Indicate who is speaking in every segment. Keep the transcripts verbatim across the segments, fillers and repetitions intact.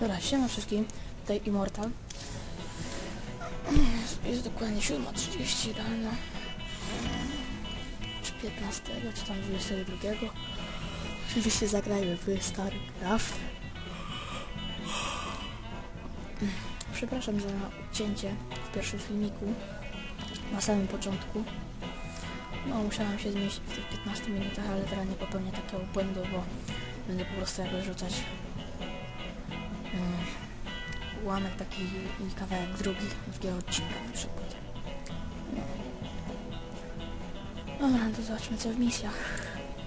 Speaker 1: Dobra, siema wszystkim, tutaj Immortal. Jest dokładnie siódma trzydzieści rano. Czy piętnastego, czy tam dwudziestego drugiego. Oczywiście zagrajmy w StarCraft. Przepraszam za cięcie w pierwszym filmiku. Na samym początku. No, musiałem się zmieścić w tych piętnastu minutach, ale teraz nie popełnię takiego błędu, bo będę po prostu jakby rzucać um, ułamek taki i kawałek drugi, drugiego odcinka na przykład. No. Dobra, to zobaczmy co w misjach.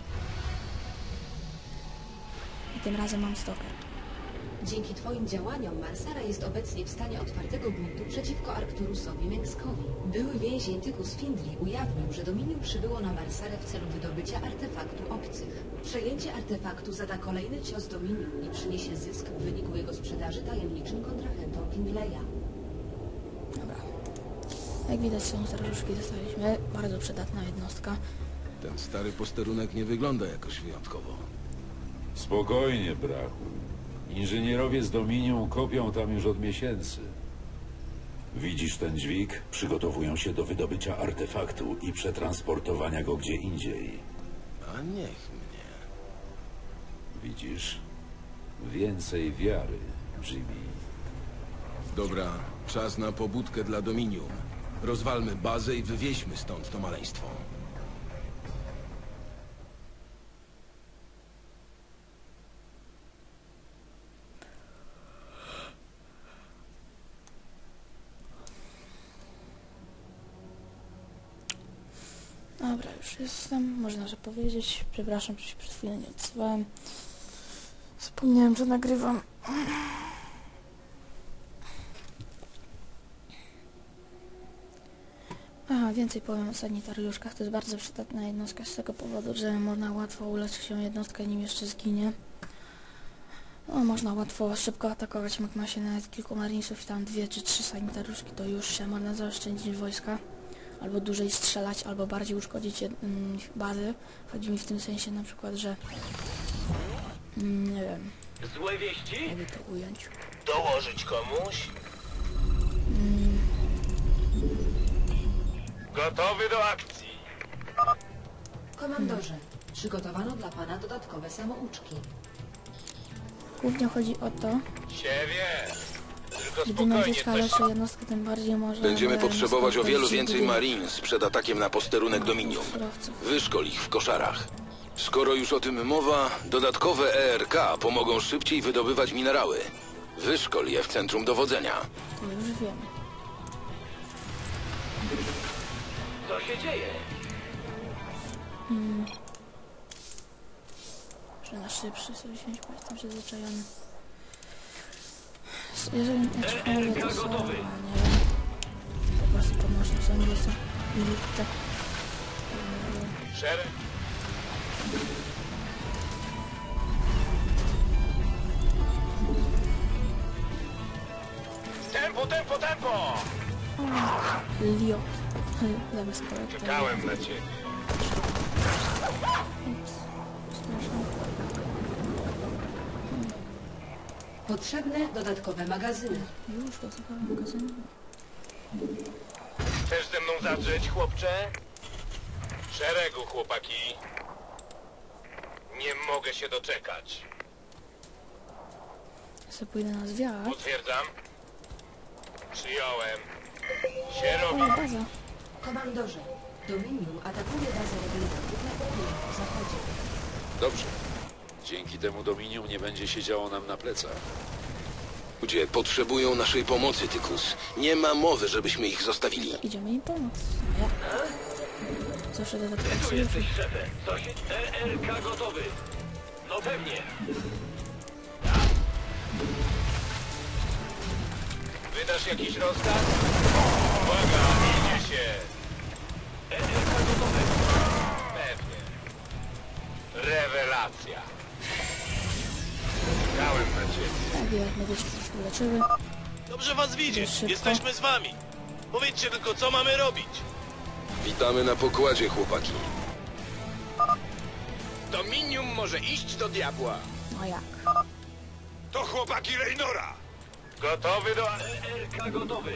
Speaker 1: I tym razem mam stoker.
Speaker 2: Dzięki Twoim działaniom Marsara jest obecnie w stanie otwartego buntu przeciwko Arcturusowi Mengskowi. Były więzień Tychus Findli ujawnił, że Dominium przybyło na Marsarę w celu wydobycia artefaktu obcych. Przejęcie artefaktu zada kolejny cios Dominium i przyniesie zysk w wyniku jego sprzedaży tajemniczym kontrahentom Findleya.
Speaker 1: Dobra. Jak widać są staruszki dostaliśmy. Bardzo przydatna jednostka.
Speaker 3: Ten stary posterunek nie wygląda jakoś wyjątkowo.
Speaker 4: Spokojnie, brachu. Inżynierowie z Dominium kopią tam już od miesięcy. Widzisz ten dźwig? Przygotowują się do wydobycia artefaktu i przetransportowania go gdzie indziej.
Speaker 3: A niech mnie.
Speaker 4: Widzisz? Więcej wiary, Jimmy.
Speaker 3: Dobra, czas na pobudkę dla Dominium. Rozwalmy bazę i wywieźmy stąd to maleństwo.
Speaker 1: Dobra, już jestem, można że powiedzieć. Przepraszam, że się przed chwilą nie odzywałem. Zapomniałem, że nagrywam. Aha, więcej powiem o sanitariuszkach. To jest bardzo przydatna jednostka z tego powodu, że można łatwo uleczyć się jednostkę, nim jeszcze zginie. No, można łatwo, szybko atakować, jak ma się nawet kilku marinesów i tam dwie czy trzy sanitariuszki, to już się można zaoszczędzić wojska. Albo dłużej strzelać, albo bardziej uszkodzić mm, bazy. Chodzi mi w tym sensie na przykład, że mm, nie wiem.
Speaker 5: Złe wieści?
Speaker 1: Jakby to ująć.
Speaker 5: Dołożyć komuś?
Speaker 1: Mm.
Speaker 5: Gotowy do akcji.
Speaker 2: Komandorze, przygotowano dla Pana dodatkowe samouczki.
Speaker 1: Głównie chodzi o to,
Speaker 5: Się wie. Tylko
Speaker 1: gdy ma
Speaker 5: spokojnie,
Speaker 1: zyska
Speaker 5: coś...
Speaker 1: lepszą jednostkę, tym bardziej może...
Speaker 3: Będziemy potrzebować o wielu więcej
Speaker 1: marin.
Speaker 3: Marines przed atakiem na posterunek Dominium. Wyszkol ich w koszarach. Skoro już o tym mowa, dodatkowe E R K pomogą szybciej wydobywać minerały. Wyszkol je w centrum dowodzenia.
Speaker 1: To już wiem.
Speaker 5: Co się dzieje?
Speaker 1: Hmm. Że na szybszy sobie wziąć, bo jestem przyzwyczajony. Jeżeli nie mówię, to są, nie wiem, po prostu pomocne są, bo są minutę.
Speaker 5: Szereg? Tempo, tempo, tempo!
Speaker 1: Liot. Zamiast projektu.
Speaker 5: Czekałem na ciebie.
Speaker 1: Ups. Przepraszam.
Speaker 2: Potrzebne dodatkowe magazyny.
Speaker 1: Już dodatkowe magazyny.
Speaker 5: Chcesz ze mną zadrzeć, chłopcze? Szeregu, chłopaki. Nie mogę się doczekać.
Speaker 1: Ja sobie pójdę na zwiat.
Speaker 5: Potwierdzam. Przyjąłem. Się
Speaker 1: O,
Speaker 5: robi.
Speaker 1: baza.
Speaker 2: Komandorze, Dominium atakuje bazę rebeliantów na południowym zachodzie.
Speaker 4: Dobrze. Dzięki temu Dominium nie będzie siedziało nam na plecach.
Speaker 3: Ludzie potrzebują naszej pomocy, Tychus. Nie ma mowy, żebyśmy ich zostawili.
Speaker 1: Idziemy im pomóc. No ja. Zawsze dodatkowe
Speaker 5: Tu
Speaker 1: sojusze.
Speaker 5: jesteś szefem. Co się... E R K gotowy. No pewnie. Wydasz jakiś rozkaz? Uwaga, idzie się. E R K gotowy. Pewnie. Rewelacja. Czekałem na ciebie.
Speaker 1: Tak, jak medyczki już uleczyły.
Speaker 6: Dobrze was widzieć.
Speaker 1: Szybko.
Speaker 6: Jesteśmy z wami. Powiedzcie tylko, co mamy robić.
Speaker 3: Witamy na pokładzie, chłopaki.
Speaker 5: Dominium może iść do diabła.
Speaker 1: No jak?
Speaker 6: To chłopaki Raynora! Gotowy do...
Speaker 5: E R K gotowy.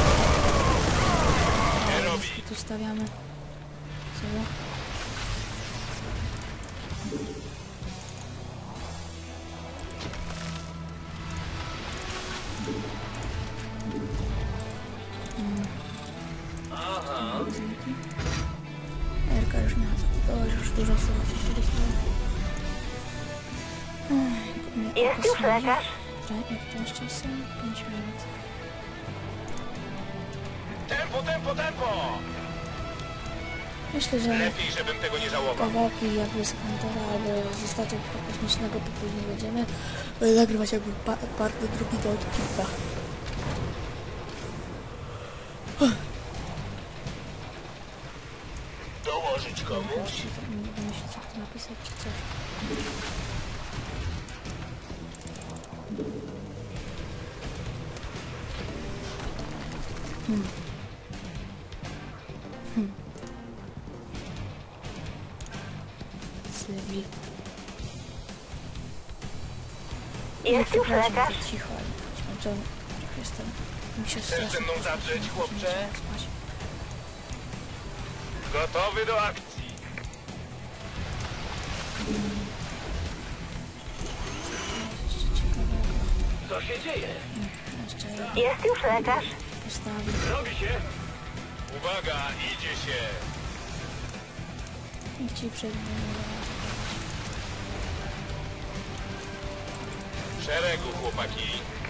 Speaker 6: Nie robi.
Speaker 1: I tu stawiamy sobie.
Speaker 5: Aha.
Speaker 1: Erka już miała zakupować, już dużo sobie wzięliśmy.
Speaker 7: Jest już lekarz?
Speaker 1: Jak to jeszcze jest? pięć minut.
Speaker 6: Tempo, tempo, tempo!
Speaker 1: Myślę, że
Speaker 6: Lepiej, żebym tego nie żałował.
Speaker 1: kawałki jakby z Huntora albo ze statku kosmicznego to później będziemy nagrywać jakby pa part drugi do odcinka.
Speaker 6: Dołożyć komuś?
Speaker 1: Właśnie, tak nie będę myśleć, jak to napisać czy coś. Hmm. Hmm. Cywil.
Speaker 7: Jest już
Speaker 1: Przepraszam,
Speaker 7: lekarz?
Speaker 1: że cicho, ale zmęczony. Trochę jestem. Mi się
Speaker 6: Chcesz
Speaker 1: strasznie
Speaker 6: ze mną
Speaker 1: pośpieszyło,
Speaker 6: zadrzeć,
Speaker 1: muszę
Speaker 6: chłopcze?
Speaker 1: się spać.
Speaker 6: Gotowy do akcji.
Speaker 1: Jeszcze ciekawego.
Speaker 5: Co się dzieje?
Speaker 1: Jeszcze jedno
Speaker 7: Jest już lekarz?
Speaker 1: postawię.
Speaker 5: Robi się.
Speaker 6: Uwaga, idzie się.
Speaker 1: Niech ci przejdzie.
Speaker 6: W szeregu, chłopaki.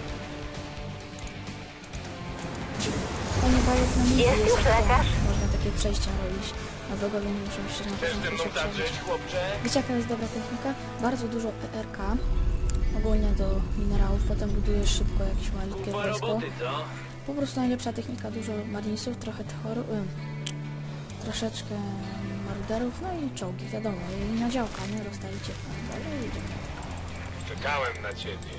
Speaker 1: Panie Bajek na mnie
Speaker 7: Jest już
Speaker 1: jak
Speaker 7: lekarz?
Speaker 1: można takie przejścia robić. Na wrogowie nie muszą się na
Speaker 6: Chcesz ze
Speaker 1: początku
Speaker 6: mną
Speaker 1: się przebić.
Speaker 6: zadrzeć, chłopcze?
Speaker 1: Wiecie jaka jest dobra technika? Bardzo dużo E R K, ogólnie do minerałów, potem budujesz szybko jakieś malutkie
Speaker 5: Kupa
Speaker 1: wojsko.
Speaker 5: roboty, co?
Speaker 1: Po prostu najlepsza technika, dużo marinesów, trochę tchoru, y, troszeczkę maruderów, no i czołgi, wiadomo, i na działka, nie? Rozstawicie dalej i idziemy.
Speaker 6: Czekałem na ciebie.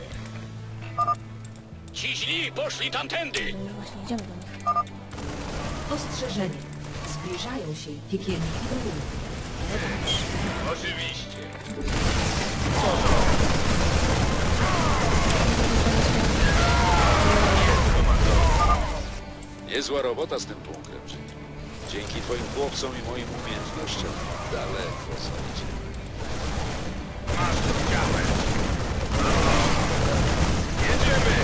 Speaker 5: Ci źli poszli tamtędy.
Speaker 1: No już właśnie idziemy do nich.
Speaker 2: Ostrzeżenie. Zbliżają się piekielni widowiska.
Speaker 6: Oczywiście.
Speaker 4: Niezła robota z tym bunkrem, Jim. Dzięki twoim chłopcom i moim umiejętnościom daleko zajdziemy.
Speaker 6: Masz to białe. Jedziemy!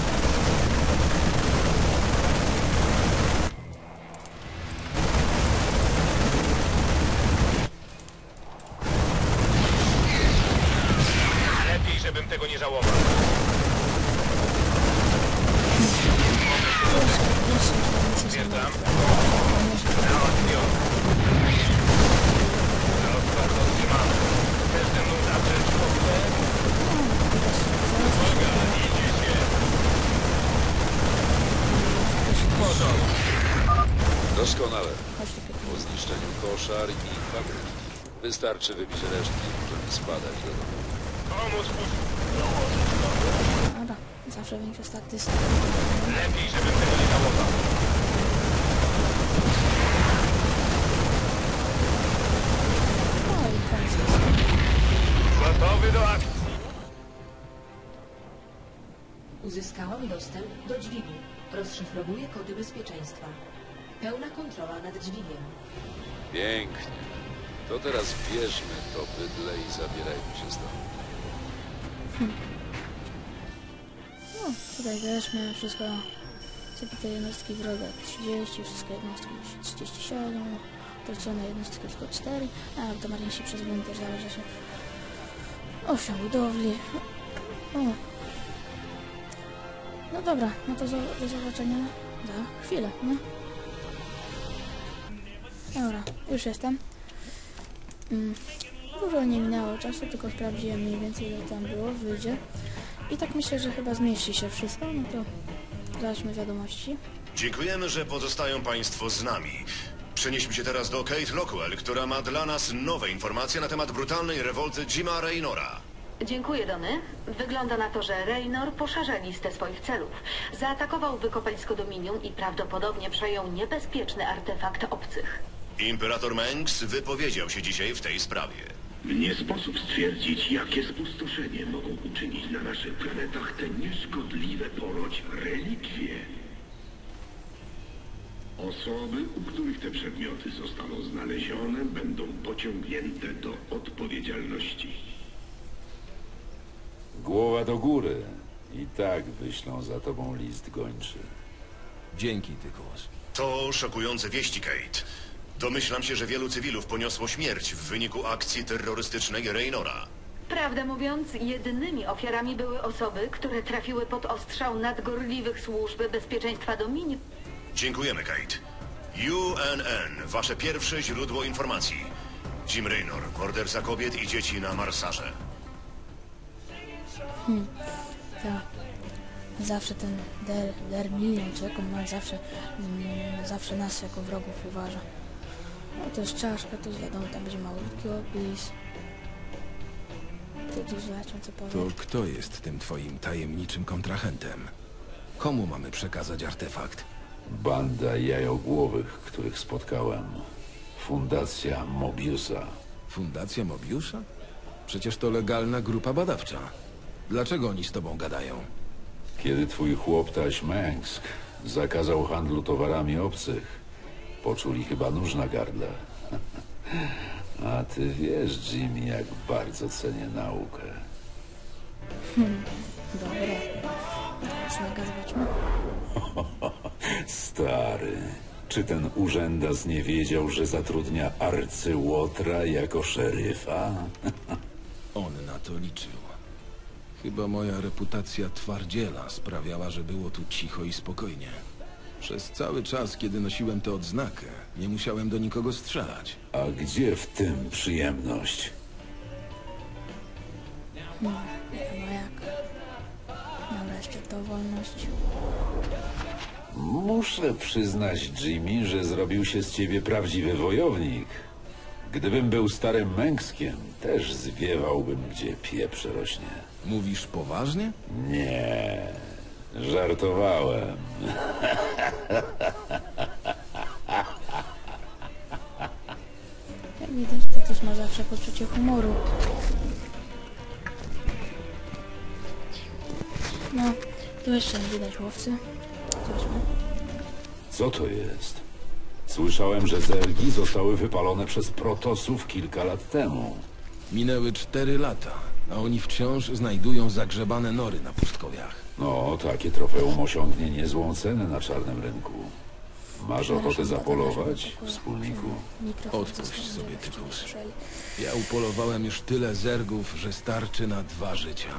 Speaker 6: Lepiej, żebym tego nie żałował. Stwierdzam. Załatwiony. Rozkład otrzymany. Chcesz ze mną zadrzeć, chłopcze? Uwaga, idzie się. Porządek.
Speaker 4: Doskonale.
Speaker 1: Chodź tu pięknie.
Speaker 4: Po zniszczeniu koszar i fabryki wystarczy wybić resztki i możemy spadać do domu.
Speaker 6: Pomóc puść.
Speaker 1: Dobra, zawsze większe staty.
Speaker 6: Lepiej, żebym tego nie żałował.
Speaker 1: No i koniec.
Speaker 6: Gotowy do akcji.
Speaker 2: Uzyskałam dostęp do dźwigni. Rozszyfrowuję kody bezpieczeństwa. Pełna kontrola nad dźwigiem.
Speaker 4: Pięknie. To teraz bierzmy to bydle i zabierajmy się stąd.
Speaker 1: No, tutaj też miałem wszystko. Zabite jednostki wroga trzydzieści, wszystkie jednostki trzydzieści siedem, tracone jednostki tylko cztery, a to marinsi przez bunkier zależy się osiem budowli. O. No dobra, no to zo do zobaczenia za chwilę, no. Dobra, już jestem. Mm. Dużo nie minęło czasu, tylko sprawdziłem mniej więcej ile tam było, wyjdzie. I tak myślę, że chyba zmieści się wszystko, no to zobaczmy wiadomości.
Speaker 8: Dziękujemy, że pozostają Państwo z nami. Przenieśmy się teraz do Kate Lockwell, która ma dla nas nowe informacje na temat brutalnej rewolty Jima Raynora.
Speaker 9: Dziękuję, Dony. Wygląda na to, że Raynor poszerza listę swoich celów. Zaatakował wykopalisko Dominium i prawdopodobnie przejął niebezpieczny artefakt obcych.
Speaker 8: Imperator Mengs wypowiedział się dzisiaj w tej sprawie.
Speaker 10: Nie sposób stwierdzić, jakie spustoszenie mogą uczynić na naszych planetach te nieszkodliwe ponoć relikwie. Osoby, u których te przedmioty zostaną znalezione, będą pociągnięte do odpowiedzialności.
Speaker 4: Głowa do góry. I tak wyślą za tobą list gończy.
Speaker 11: Dzięki, Tykus.
Speaker 8: To szokujące wieści, Kate. Domyślam się, że wielu cywilów poniosło śmierć w wyniku akcji terrorystycznej Raynora.
Speaker 9: Prawdę mówiąc, jedynymi ofiarami były osoby, które trafiły pod ostrzał nadgorliwych służb bezpieczeństwa Dominium.
Speaker 8: Dziękujemy, Kate. U N N, wasze pierwsze źródło informacji. Jim Raynor, morderca kobiet i dzieci na Marsarze.
Speaker 1: Hmm. Tak. Zawsze ten Der, Dermilion, czy jak on ma, zawsze, mm, zawsze nas jako wrogów uważa. No to jest czaszka, to jest wiadomo, tam będzie malutki opis. To tu zobaczmy, co powie.
Speaker 11: To kto jest tym twoim tajemniczym kontrahentem? Komu mamy przekazać artefakt?
Speaker 4: Banda jajogłowych, których spotkałem. Fundacja Mobiusa.
Speaker 11: Fundacja Mobiusza? Przecież to legalna grupa badawcza. Dlaczego oni z tobą gadają?
Speaker 4: Kiedy twój chłoptaś Mengsk zakazał handlu towarami obcych, poczuli chyba nóż na gardle. A ty wiesz, Jimmy, jak bardzo cenię naukę.
Speaker 1: Hmm. Dobra. Znaga, zobaczmy.
Speaker 4: Stary, czy ten urzędas nie wiedział, że zatrudnia arcyłotra jako szeryfa?
Speaker 11: On na to liczył. Chyba moja reputacja twardziela sprawiała, że było tu cicho i spokojnie. Przez cały czas, kiedy nosiłem tę odznakę, nie musiałem do nikogo strzelać.
Speaker 4: A gdzie w tym przyjemność?
Speaker 1: No, chyba jak. Dobra, jeszcze to wolność.
Speaker 4: Muszę przyznać, Jimmy, że zrobił się z ciebie prawdziwy wojownik. Gdybym był starym Mengskiem, też zwiewałbym, gdzie pieprz rośnie.
Speaker 11: Mówisz poważnie?
Speaker 4: Nie, żartowałem.
Speaker 1: Jak widać, to też ma zawsze poczucie humoru. No, tu jeszcze nie widać łowcy. Zobaczmy.
Speaker 4: Co to jest? Słyszałem, że zergi zostały wypalone przez protosów kilka lat temu.
Speaker 11: Minęły cztery lata, a oni wciąż znajdują zagrzebane nory na pustkowiach.
Speaker 4: No, takie trofeum osiągnie niezłą cenę na czarnym rynku. Masz ochotę zapolować, wspólniku?
Speaker 11: Odpuść sobie, Tykus. Ja upolowałem już tyle zergów, że starczy na dwa życia.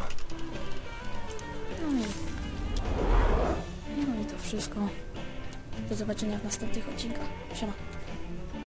Speaker 1: No i, no i to wszystko. Do zobaczenia w następnych odcinkach. Siema.